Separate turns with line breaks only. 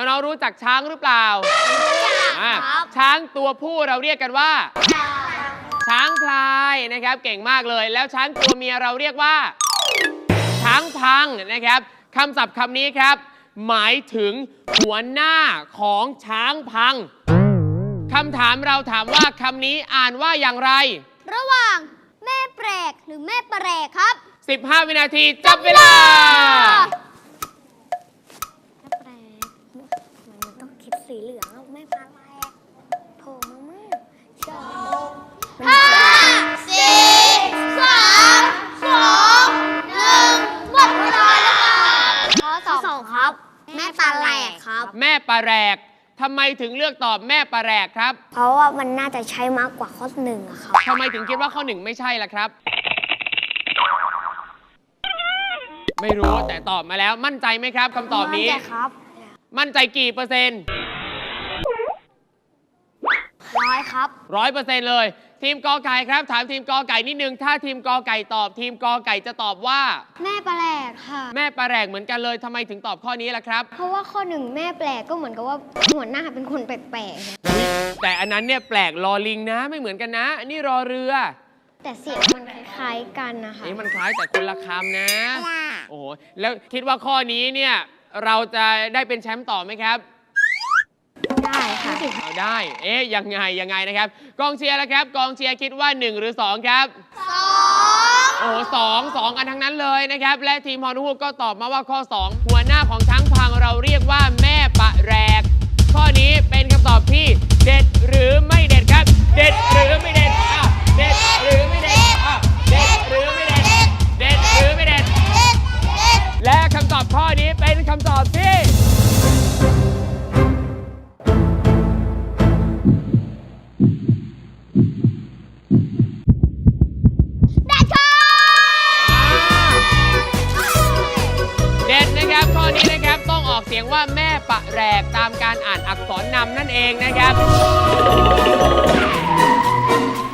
น้องๆรู้จักช้างหรือเปล่าช้างตัวผู้เราเรียกกันว่าช้างพลายนะครับเก่งมากเลยแล้วช้างตัวเมียเราเรียกว่าช้างพังนะครับคำศัพท์คำนี้ครับหมายถึงหัวหน้าของช้างพังคำถามเราถามว่าคำนี้อ่านว่าอย่างไร
ระหว่างแม่แปลกหรือแม่แปลกครับ
15 วินาทีจับเวลา
แม่แปลกมันต้องคิดสีเหลืองแม่แปลกโผล่มาแม่5 4 3 2 1หมดเวลาแล้วข้อ2ครับแม่ปลาแหลกครับ
แม่ปลาแหลกทำไมถึงเลือกตอบแม่ปลาแหลกครับ
เพราะว่ามันน่าจะใช้มากกว่าข้อ1อะครับ
ทำไมถึงคิดว่าข้อ1ไม่ใช่ล่ะครับไม่รู้แต่ตอบมาแล้วมั่นใจไหมครับคำตอบนี้
มั่นใจครับ
มั่นใจกี่เปอร์เซ็นต์
100ครับ
100%เลยทีมกอไก่ครับถามทีมกอไก่นิดนึงถ้าทีมกอไก่ตอบทีมกอไก่จะตอบว่า
แม่ปลาแหลกค่ะ
แม่ปลาแหลกเหมือนกันเลยทำไมถึงตอบข้อนี้ล่ะครับ
เพราะว่าข้อ1แม่แปลกก็เหมือนกับว่าหัวหน้าเป็นคนแปลก
ๆแต่อันนั้นเนี่ยแปลกรอลิงนะไม่เหมือนกันนะอันนี้รอเรือ
แต่เสียงมันคล้ายๆกันนะคะ
นี่มันคล้ายแต่คนละคำนะโอ้โหแล้วคิดว่าข้อนี้เนี่ยเราจะได้เป็นแชมป์ต่อไหมครับ
ได้ค่ะ
เอาได้ยังไงนะครับกองเชียร์แล้วครับกองเชียร์คิดว่า1หรือ2ครับ2โอ้สองกันทั้งนั้นเลยนะครับและทีมฮอนูฮูกก็ตอบมาว่าข้อ2หัวหน้าของช้างพังเราเรียกว่าแม่ปะแรกข้อนี้เป็นคำตอบที่เด็ดหรือไม่เด็ดครับเด็ดหรือไม่เด็ดเด็ดหรือไม่เด็ดเด็ดหรือไม่เด็ดเด็ดหรือไม่เด็ดและคำตอบข้อนี้เป็นคำตอบที่เด็ดนะครับข้อนี้นะครับต้องออกเสียงว่าแม่ปะแรกตามการอ่านอักษรนำนั่นเองนะครับ